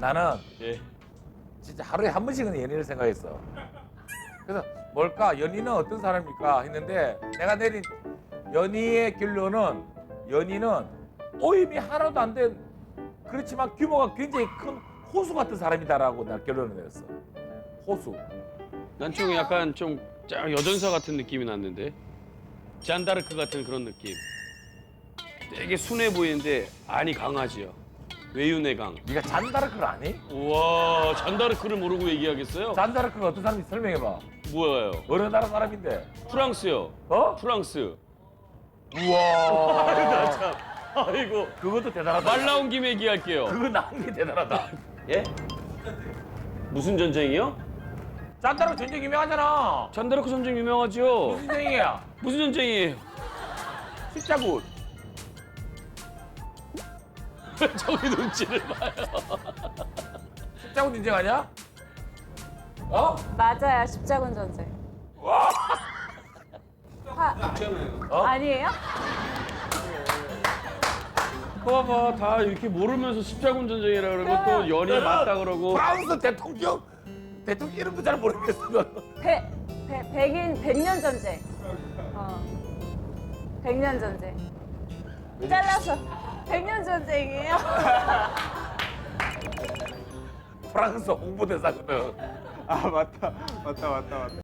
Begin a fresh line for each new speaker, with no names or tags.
나는
예.
진짜 하루에 한 번씩은 연인을 생각했어. 그래서 뭘까? 연인은 어떤 사람일까? 했는데 내가 내린 연희의 결론은 연희는 오임이 하나도 안 된 그렇지만 규모가 굉장히 큰 호수 같은 사람이다라고 나 결론을 내렸어. 호수.
난 좀 약간 좀 여전사 같은 느낌이 났는데. 잔다르크 같은 그런 느낌. 되게 순해 보이는데 안이 강하지요. 외윤의 강.
네가 잔다르크를 아니?
우와, 잔다르크를 모르고 얘기하겠어요?
잔다르크가 어떤 사람인지 설명해봐.
뭐예요?
어느 나라 사람인데?
프랑스요.
어?
프랑스.
우와.
참. 아이고.
그것도 대단하다.
말 나온 김에 얘기할게요.
그거 나온 게 대단하다.
예? 무슨 전쟁이요?
잔다르크 전쟁 유명하잖아.
잔다르크 전쟁 유명하죠.
무슨 전쟁이야?
무슨 전쟁이에요?
십자군.
저기 눈치를 봐요.
십자군 전쟁 아니야? 어?
맞아요. 십자군 전쟁.
어?
아니에요?
봐봐, 다 이렇게 모르면서 십자군 전쟁이라 그러고 또 연이 맞다 그러고.
프랑스 대통령 이름도 잘 모르겠어.
백년 전쟁. 백년 전쟁. 잘라서 백년 전쟁이에요?
프랑스 홍보대사거든.
아 맞다.